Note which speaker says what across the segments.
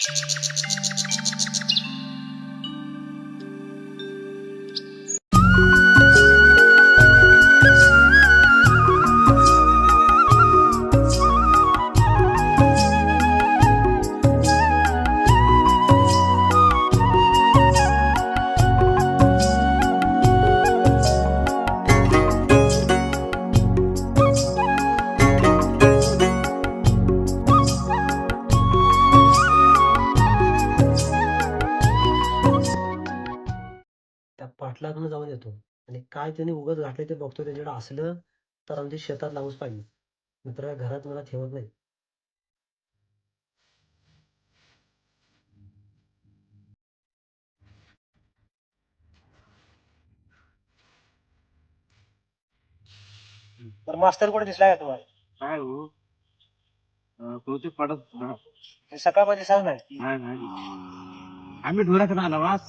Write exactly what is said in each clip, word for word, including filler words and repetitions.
Speaker 1: पाटलाकडून जाऊन येतो आणि काय त्यांनी उगाच घातलं ते बघतो. त्याच्याकडे असलं तर आमच्या शेतात लावूच पाहिजे, मित्र घरात मला ठेवत नाही. तर मास्तर कुठे दिसला का तुम्हाला?
Speaker 2: काय हो कोणते पडत
Speaker 1: सकाळमध्ये दिसला नाही.
Speaker 2: नाही नाही आम्ही ढोराकडे आला वास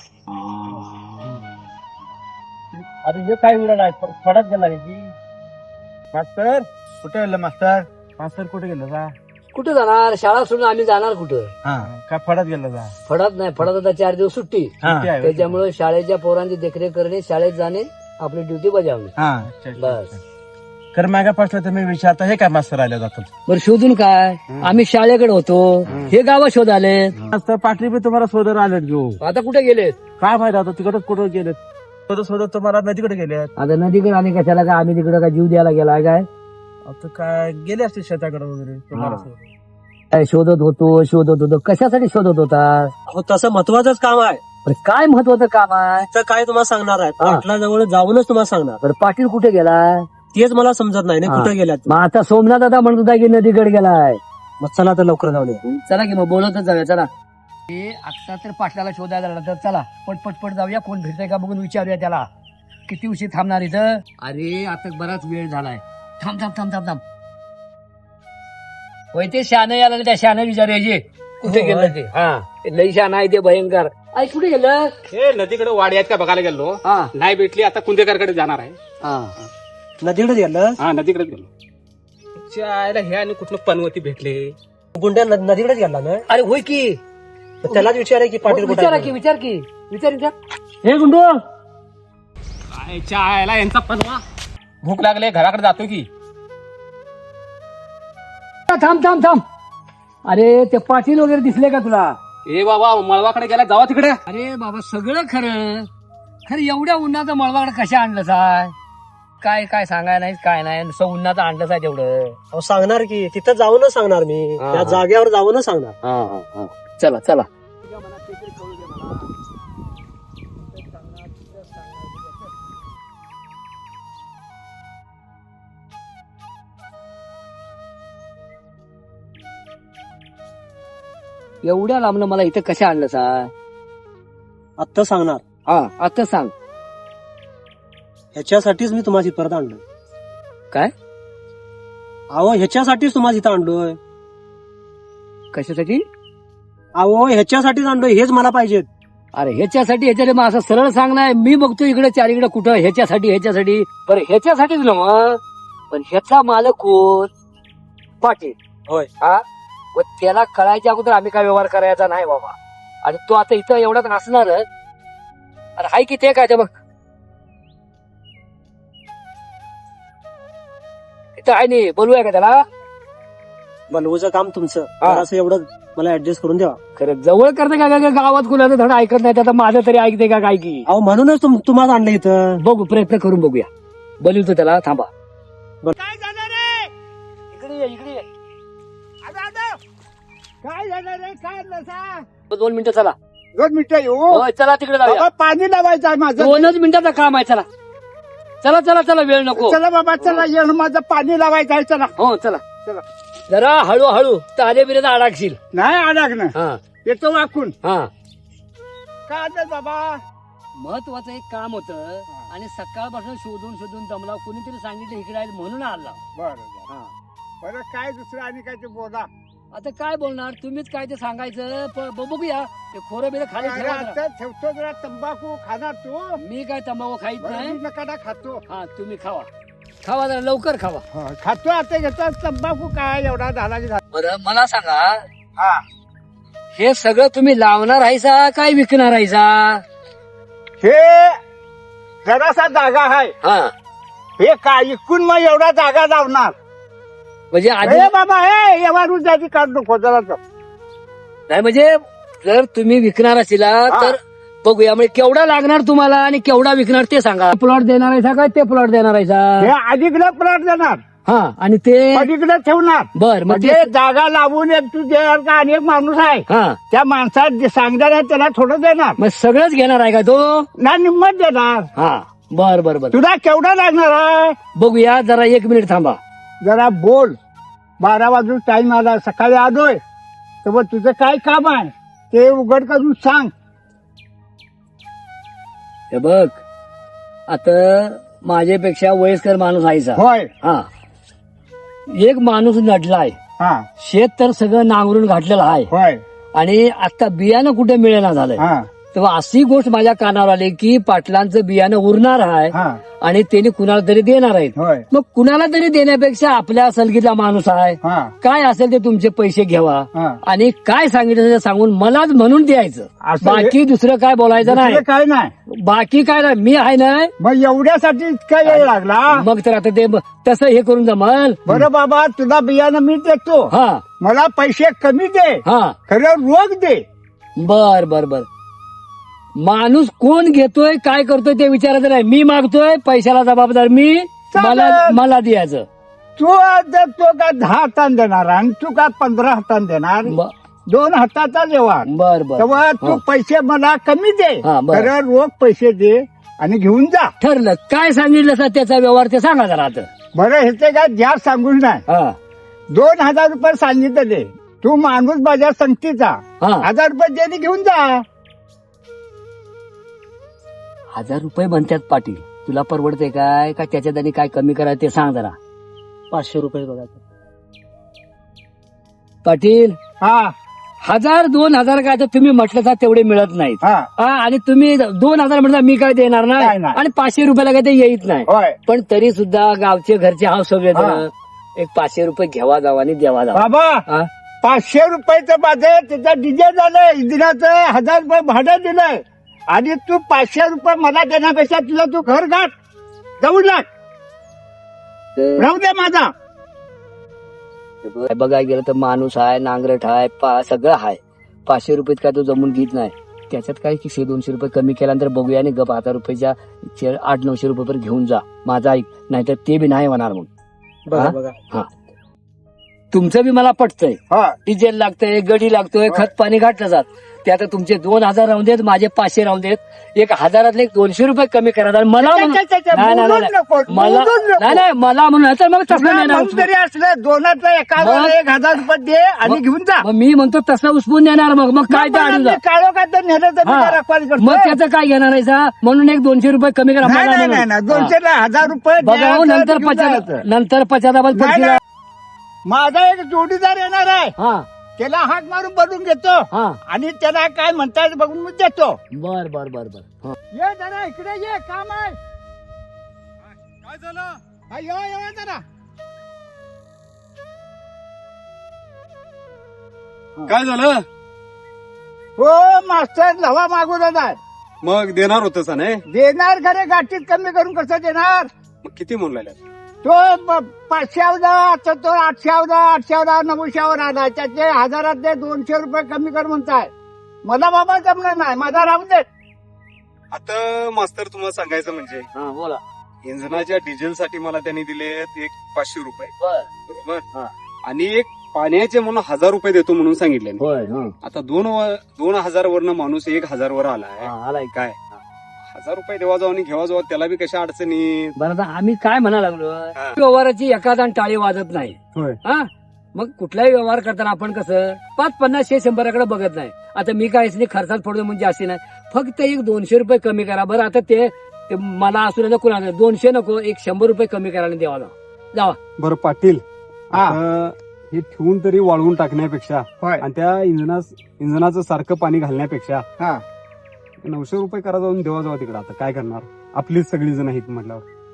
Speaker 1: आता हे काय उडा नाही फडत गेला की
Speaker 2: मास्तर कुठे गेलं मास्तर मास्तर कुठे गेलं जा
Speaker 3: कुठे जाणार? शाळा सोडून आम्ही जाणार कुठं?
Speaker 2: हा काय फडत गेलं जा
Speaker 3: फडत नाही, फडत आता चार दिवस सुट्टी.
Speaker 2: सुट्टी आहे.
Speaker 3: त्याच्यामुळे शाळेच्या पोरांची देखरेख करणे, शाळेत जाणे, आपली ड्युटी बजावणे.
Speaker 2: हा
Speaker 3: बस.
Speaker 2: कर मागापासून तुम्ही विचारता हे काय मास्तर आले जातात
Speaker 3: बरं शोधून काय? आम्ही शाळेकडे होतो, हे गाव शोध आले.
Speaker 2: मास्तर पाटली बी तुम्हाला शोधून आलेत घेऊ
Speaker 3: आता कुठे गेलेत?
Speaker 2: काय माहिती आता तिकडच कुठं गेलेत शोधत शोधत तुम्हाला नदीकडे गेलेत.
Speaker 3: आता नदीकडे आणि कशाला काय? आम्ही तिकडे काय जीव द्यायला गेलाय काय?
Speaker 2: आता काय गेले असतील शेताकडे वगैरे तुम्हाला शोधत.
Speaker 3: काय शोधत होतो शोधत होतो कशासाठी शोधत होता?
Speaker 1: हो तसं महत्वाचंच काम आहे.
Speaker 3: बरं, काय महत्वाचं काम आहे?
Speaker 1: तर काय तुम्हाला सांगणार आहे, पाटलाजवळ जाऊनच तुम्हाला सांगणार.
Speaker 3: बरं, पाटील कुठे गेला?
Speaker 1: तेच मला समजत नाही ना
Speaker 3: हा.
Speaker 1: कुठे गेल्यात.
Speaker 3: मग आता सोमनाथ दादा म्हणत होता की नदीकडे गेलाय.
Speaker 1: मग चला तर लवकर जाऊन या.
Speaker 3: चला की मग बोलतच जाऊया. चला हे आता तर पाटलाला शोधायला लागला, तर चला पट पट पट जाऊया. कोण भेटतंय का बघून विचारूया त्याला. किती उशीर थांबणार इथं? अरे आता बराच वेळ झालाय. थांब थांब थांब थांब थांब होय ते शहाणं याला त्या शहाणं विचारायचे कुठे
Speaker 1: हो,
Speaker 3: गेलं ते. हा ते लई शहाणं आहे ते भयंकर. आई कुठे गेलं?
Speaker 4: हे नदीकडे वाडी आहेत का बघायला गेलो.
Speaker 3: हा
Speaker 4: नाही भेटली आता कुंदेकरकडे जाणार आहे.
Speaker 3: हा
Speaker 1: नदीकडे गेलं.
Speaker 4: हा नदीकडे गेलो. चायला हे आणि कुठलं पनवती भेटले.
Speaker 1: गुंड्या नद- नदीकडेच गेला ना.
Speaker 3: अरे होय की.
Speaker 1: तर त्यालाच विचाराय की पाटील कुठे
Speaker 3: विचारा
Speaker 1: आहे.
Speaker 3: की विचार की विचार विचार. हे गुंडू
Speaker 4: काय चायला यांचा पनवा. भूक लागले घराकडे जातो की.
Speaker 3: थांब थांब थांब. अरे ते पाटील वगैरे दिसले का तुला?
Speaker 4: ए बाबा मळवाकडे गेला जावा तिकडे.
Speaker 3: अरे बाबा सगळं खरं खरं एवढ्या उन्हाचं मळवाकडे कशा आणलं साय? काय काय सांगाय नाही काय नाही नुसतं उन्हाचं आणलं साय तेवढं.
Speaker 1: अहो, सांगणार की तिथं जाऊनच सांगणार मी.
Speaker 3: हा,
Speaker 1: त्या
Speaker 3: हा.
Speaker 1: जागेवर जाऊनच सांगणार.
Speaker 3: चला चला. एवढ्या लांबनं मला इथं कशा आणलं साय?
Speaker 1: आत्ता सांगणार.
Speaker 3: हा आता सांग.
Speaker 1: ह्याच्यासाठीच मी तुम्हाला परत आणलं.
Speaker 3: काय?
Speaker 1: अहो ह्याच्यासाठीच तुम्हाला इथं आणलोय.
Speaker 3: कशासाठी?
Speaker 1: अहो ह्याच्यासाठीच आणलोय. हेच मला पाहिजेत.
Speaker 3: अरे ह्याच्यासाठी ह्याच्यासाठी मग असं सरळ सांगणार. मी बघतो इकडे चारीकडे कुठं ह्याच्यासाठी ह्याच्यासाठी. बरं ह्याच्यासाठीच ना मग. पण ह्याचा मालक कोण? पाटील.
Speaker 1: होय.
Speaker 3: हा व त्याला कळायच्या अगोदर आम्ही काय व्यवहार करायचा नाही बाबा. आणि तो आता इथं एवढाच असणार. अरे हाय की ते काय ते बघ इथं आहे नाही. बोलूया का त्याला?
Speaker 1: बनवूचं काम तुमचं.
Speaker 3: हा.
Speaker 1: तर असं एवढं मला ऍडजस्ट करून द्या.
Speaker 3: खरं जवळ करते का काय? गावात कुणाचं धड ऐकत नाही. आता माझं तरी ऐकते का काय की?
Speaker 1: अहो म्हणूनच तुम- तुम्हाला आणलं इथं.
Speaker 3: बघू प्रयत्न करून बघूया. बोलवतो त्याला. थांबा.
Speaker 2: काय झालं रे
Speaker 3: इकडे ये, इकडे ये.
Speaker 2: काय झालं रे काय नसा
Speaker 3: दोन मिनिटं चला.
Speaker 2: दोन मिनिटं येऊ
Speaker 3: होय चला तिकडे जाऊया.
Speaker 2: बाबा पाणी लावायचं आहे माझं.
Speaker 3: दोनच मिनिटाचं काम आहे. चला चला चला चला वेळ नको.
Speaker 2: चला बाबा चला येणं माझं पाणी लावायचं आहे. चला
Speaker 3: हो चला
Speaker 2: चला.
Speaker 3: जरा हळू हळू तारे बिरे अडकशील.
Speaker 2: नाही अडकणं
Speaker 3: हा
Speaker 2: येतो वाकून.
Speaker 3: हा
Speaker 2: काय आलं बाबा?
Speaker 3: महत्वाचं एक काम होतं आणि सकाळपासून शोधून शोधून दमला. कोणीतरी सांगितलं इकडे आहे म्हणून आला.
Speaker 2: बरं
Speaker 3: हा
Speaker 2: बरं काय दुसरं आणि काय ते बोला.
Speaker 3: आता काय बोलणार तुम्हीच काय ते सांगायचं. प- ब- बघूया ते खोरं बिरं खाली
Speaker 2: अरे
Speaker 3: ठेवा जरा.
Speaker 2: आता ठेवतो जरा तंबाखू खाणार तू.
Speaker 3: मी काय तंबाखू खाईत
Speaker 2: बरं,
Speaker 3: नाही.
Speaker 2: मी नकाडा खातो.
Speaker 3: हा तुम्ही खावा खावा जरा लवकर खावा.
Speaker 2: हा, खातो आता घेतो तंबाखू काय एवढा झाला की झाला.
Speaker 3: बरं मला सांगा
Speaker 2: हा
Speaker 3: हे सगळं तुम्ही लावणार आहेसा काय विकणार आहेसा?
Speaker 2: हे जरासा जागा आहे,
Speaker 3: हा
Speaker 2: हे काय इकून मग एवढा जागा लावणार.
Speaker 3: म्हणजे आधी
Speaker 2: अरे बाबा हे एवढा जाती काढ नको जरा.
Speaker 3: नाही म्हणजे जर तुम्ही विकणार असिला
Speaker 2: हा.
Speaker 3: तर बघूया म्हणजे केवढा लागणार तुम्हाला आणि केवढा विकणार ते सांगा. प्लॉट देणार आहे काय ते प्लॉट देणार आहे
Speaker 2: हे अलीकडे प्लॉट देणार,
Speaker 3: हा आणि ते
Speaker 2: अलीकडे ठेवणार.
Speaker 3: बर मग
Speaker 2: म्हणजे
Speaker 3: ते
Speaker 2: जागा लावून एक तू देणार का आणि एक माणूस आहे
Speaker 3: हा
Speaker 2: त्या माणसात जे सांगणार आहे त्याला थोडं देणार
Speaker 3: मग सगळंच घेणार आहे का तो?
Speaker 2: ना निम्मत देणार.
Speaker 3: हा बर बर बर
Speaker 2: तुला केवढा लागणार आहे
Speaker 3: बघूया जरा एक मिनिट थांबा.
Speaker 2: जरा बोल. बारा वाजून टाइम आला, सकाळी आलोय तर मग तुझं काय काम आहे ते उघड करून सांग.
Speaker 3: हे बघ आता माझ्यापेक्षा वयस्कर माणूस आहेसा.
Speaker 2: होय.
Speaker 3: हा एक माणूस नडलाय,
Speaker 2: हा
Speaker 3: शेत तर सगळं नांगरून घातलेलं आहे
Speaker 2: होय.
Speaker 3: आणि आता बियाणं कुठे मिळेना झालंय.
Speaker 2: हा
Speaker 3: तेव्हा अशी गोष्ट माझ्या कानावर आली की पाटलांचं बियाणं उरणार आहे
Speaker 2: हा
Speaker 3: आणि त्यांनी कुणाला तरी देणार आहेत.
Speaker 2: होय.
Speaker 3: मग कुणाला तरी देण्यापेक्षा आपल्या सलगीतला माणूस आहे,
Speaker 2: हा
Speaker 3: काय असेल ते तुमचे पैसे घ्यावा
Speaker 2: हा.
Speaker 3: आणि काय सांगितलं ते सांगून मलाच म्हणून द्यायचं.
Speaker 2: असं हे-
Speaker 3: बाकी दुसरं काय बोलायचं नाही.
Speaker 2: दुसरं काय नाही.
Speaker 3: बाकी काय नाही, मी आहे ना.
Speaker 2: मग एवढ्यासाठी इतका वेळ लागला.
Speaker 3: मग तर आता ते तसं हे करून जमल.
Speaker 2: बरं बाबा तुला बियाणं मी देतो,
Speaker 3: हा
Speaker 2: मला पैसे कमी दे,
Speaker 3: हा
Speaker 2: खरं रोग दे.
Speaker 3: बर बर बर माणूस कोण घेतोय काय करतोय ते विचारायचं नाही. मी मागतोय पैशाला जबाबदार मी, मला
Speaker 2: चालेल.
Speaker 3: मला द्यायचं.
Speaker 2: तू जर तो का दहा हातान देणार आणि तू का पंधरा हातान देणार,
Speaker 3: ब-
Speaker 2: दोन हाताचा व्यवहार.
Speaker 3: बर बर
Speaker 2: तेव्हा तू
Speaker 3: हा.
Speaker 2: पैसे मला कमी दे,
Speaker 3: हा, बरं.
Speaker 2: खरं रोग पैसे दे आणि घेऊन जा.
Speaker 3: ठरलं काय सांगितलं सर त्याचा व्यवहार ते सांगा जरा आता.
Speaker 2: बरं ह्याचे काय जास्त सांगून नाही.
Speaker 3: हा
Speaker 2: दोन हजार रुपये सांगितले, तू माणूस माझ्या संगतीचा
Speaker 3: हा
Speaker 2: हजार रुपये दे आणि घेऊन जा.
Speaker 3: हजार रुपये म्हणतात पाटील, तुला परवडते काय का त्याच्यात आणि काय कमी करायचं ते सांग जरा.
Speaker 1: पाचशे रुपये बघा.
Speaker 3: पाटील
Speaker 2: हा
Speaker 3: हजार दोन हजार काय तर तुम्ही म्हटलं तर तेवढे मिळत नाहीत.
Speaker 2: हा
Speaker 3: हा आणि तुम्ही दोन हजार म्हणता मी काय देणार
Speaker 2: काय
Speaker 3: नाही
Speaker 2: नाही.
Speaker 3: आणि पाचशे रुपयाला काय ते येत नाही.
Speaker 2: होय.
Speaker 3: पण तरी सुद्धा गावचे घरचे हाव सगळे
Speaker 2: हा.
Speaker 3: एक पाचशे रुपये घ्यावा जावा आणि द्यावा जावा.
Speaker 2: बाबा
Speaker 3: हा?
Speaker 2: पाचशे रुपयाचं माझं त्याचं डिझेल झालंय, इंजिनाचं हजार रुपये भाडं दिलंय आणि तू पाचशे रुपये मला देण्यापेक्षा तुला तू घर गाठ जाऊन लाग
Speaker 3: तर
Speaker 2: राहू दे माझा.
Speaker 3: बघायला गेलं तर माणूस आहे, नांगरट आहे, पा- सगळं आहे. पाचशे रुपयात काय तो जमून घेत नाही. त्याच्यात काय की शे दोनशे रुपये कमी केल्यानंतर बघूया आणि गप हजार रुपयाच्या चे- आठ नऊशे रुपये पर्यंत घेऊन जा. माझा ऐक, नाहीतर ते बी नाही होणार. मग
Speaker 1: बघा
Speaker 3: हा?
Speaker 1: बघा
Speaker 3: तुमचं बी मला पटतंय.
Speaker 2: हा
Speaker 3: डिझेल लागतंय, गडी लागतोय, खत पाणी घातलं जात. ते आता तुमचे दोन हजार राहून देत, माझे पाचशे राहून देत. एक हजारातले एक दोनशे रुपये कमी करा. आणि मला म्हणून-
Speaker 2: च्या- च्या- च्या-
Speaker 3: नाही, नाही,
Speaker 2: बोलूच
Speaker 3: नाही.
Speaker 2: नको,
Speaker 3: मला
Speaker 2: बोलूच नको.
Speaker 3: नाही नाही मला म्हणून तर मग तसं
Speaker 2: तुला
Speaker 3: नाही ना
Speaker 2: म्हणून जरी असलं दोनातलं एका
Speaker 3: मग-
Speaker 2: वेळेला एक हजार रुपये दे आणि
Speaker 3: मग-
Speaker 2: घेऊन जा.
Speaker 3: मग मी म्हणतो तसं उचपून देणार. मग मग काय ते अडून जा.
Speaker 2: काळो का तर नेलं तर मी
Speaker 3: हा.
Speaker 2: काय रखवाली करतो.
Speaker 3: मग त्याचं काय घेणार आहे सा? म्हणून एक दोनशे रुपये कमी करा.
Speaker 2: नाही
Speaker 3: मला
Speaker 2: नाही
Speaker 3: म्हणून.
Speaker 2: नाही दोनशे ला हजार रुपये
Speaker 3: बघा हो,
Speaker 2: द्यायचं,
Speaker 3: नंतर
Speaker 2: घेऊन
Speaker 3: पचास
Speaker 2: जायचं.
Speaker 3: नंतर पचादाबाद
Speaker 2: नाही,
Speaker 3: पडशील.
Speaker 2: नाही. माझा एक जोडीदार येणार आहे,
Speaker 3: हा
Speaker 2: त्याला हाक मारून बनवून घेतो
Speaker 3: हा
Speaker 2: आणि त्याला काय म्हणतात बघून मी देतो.
Speaker 3: बर बर बर बर हा.
Speaker 2: ये जरा इकडे ये, काम आहे.
Speaker 4: काय झालं?
Speaker 2: हा, ये, ये जरा.
Speaker 4: काय झालं?
Speaker 2: हो मास्टर लवा मागून आहे.
Speaker 4: मग देणार होतस नाही?
Speaker 2: देणार खरे गाठीत कमी करून कसं देणार.
Speaker 4: मग किती म्हणून राहिल्या?
Speaker 2: तो प- पाचशेवदा तर तो आठशेवदा आठशेवदा नऊशेवर आला, त्याचे हजारातले दोनशे रुपये कमी कर म्हणताय. मला बाबा जमणार नाही, माझा राहून दे.
Speaker 4: आता मास्तर तुम्हाला सांगायचं म्हणजे
Speaker 3: हा बोला.
Speaker 4: इंधनाच्या डिझेल साठी मला त्यांनी दिले एक पाचशे रुपये,
Speaker 3: बर
Speaker 4: बरोबर?
Speaker 3: हा.
Speaker 4: आणि एक पाण्याचे म्हणून हजार रुपये देतो म्हणून सांगितले.
Speaker 3: होय हा.
Speaker 4: आता दोन व- दोन हजार वरनं माणूस एक हजार वर आलाय.
Speaker 3: हा, आलाय
Speaker 4: काय हजार रुपये देवा जाऊ आणि घेवा जाऊ, त्याला बी कशा अडचणी.
Speaker 3: बरं आता आम्ही काय म्हणा लागलो
Speaker 4: हा.
Speaker 3: व्यवहाराची एखादा टाळी वाजत नाही.
Speaker 2: होय.
Speaker 3: हा मग कुठलाही व्यवहार करताना आपण कसं पाच पन्नास शे शंभराकडे बघत नाही. आता मी काय नाही खर्चात पडतो म्हणजे असे नाही, फक्त एक दोनशे रुपये कमी करा. बरं आता ते ते मला असू नये कुणाला दोनशे नको, एक शंभर रुपये कमी करायला द्यावा जावा जावा.
Speaker 4: बरं पाटील,
Speaker 2: हा.
Speaker 4: आता हे ठेवून तरी वाळवून टाकण्यापेक्षा
Speaker 2: होय.
Speaker 4: आणि त्या इंधना इंधनाचं सारखं पाणी घालण्यापेक्षा
Speaker 2: हा.
Speaker 4: नऊशे रुपये करा जाऊन देवा जावा तिकडे. आता काय करणार, आपलीच सगळी जण आहेत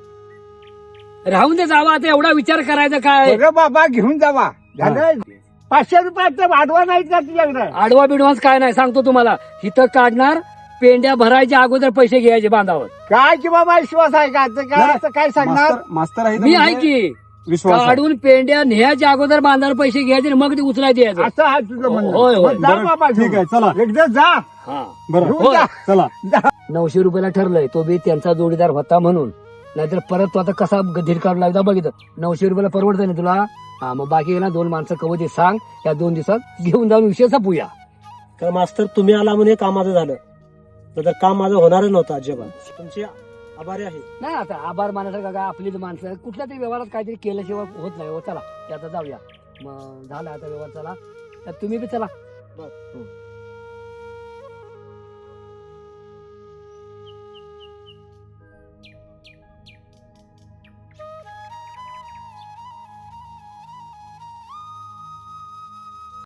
Speaker 4: म्हटल्यावर.
Speaker 3: राहून दे जावा. आता एवढा विचार करायचा काय.
Speaker 2: बरं बाबा घेऊन जावा. झालं पाचशे रुपयाचं भाडवं नाहीत का तुझ्याकडे?
Speaker 3: आडवा बिडवाच काय नाही सांगतो तुम्हाला. इथं काढणार, पेंड्या भरायच्या अगोदर पैसे घ्यायचे बांधावर.
Speaker 2: काय की बाबा विश्वास आहे का? ते काय असं काय सांगणार?
Speaker 5: मास्तर मास्तर आहे तर
Speaker 3: मी आहे
Speaker 5: म्हणजे
Speaker 3: की
Speaker 5: विश्वास आहे.
Speaker 3: काढून पेंड्या न्यायच्या अगोदर बांधावर पैसे घ्यायचे आणि मग ते उचलायचे यायचं.
Speaker 2: असं आहे तुझं म्हणणं.
Speaker 3: होय, होय.
Speaker 2: मग जा
Speaker 5: बरं,
Speaker 2: बाबा
Speaker 5: ठीक आहे, चला.
Speaker 2: एकदा जा
Speaker 3: हा
Speaker 5: बरं
Speaker 2: घेऊन जा.
Speaker 5: चला.
Speaker 3: नऊशे रुपयाला ठरलंय, तो बी त्यांचा जोडीदार होता म्हणून. नाहीतर परत तो आता कसा धीर काढू लागला बघितलं. नऊशे रुपयाला परवडतं ना तुला? हा मग बाकी ना दोन माणसं कवधी सांग, या दोन दिवसात घेऊन जाऊन विषय संपूया.
Speaker 1: तर मास्तर तुम्ही आला म्हणून हे कामाचं झालं, तर काम माझं होणारच नव्हतं अजिबात. तुमचे आभारी आहे.
Speaker 3: नाही आता आभार मानायचं का आपलीच माणसं कुठल्या तरी व्यवहारात काहीतरी केल्याशिवाय होत नाही. हो चला ते आता जाऊया. मग झालं आता व्यवहार, चला तर तुम्ही बी चला.
Speaker 1: बरं.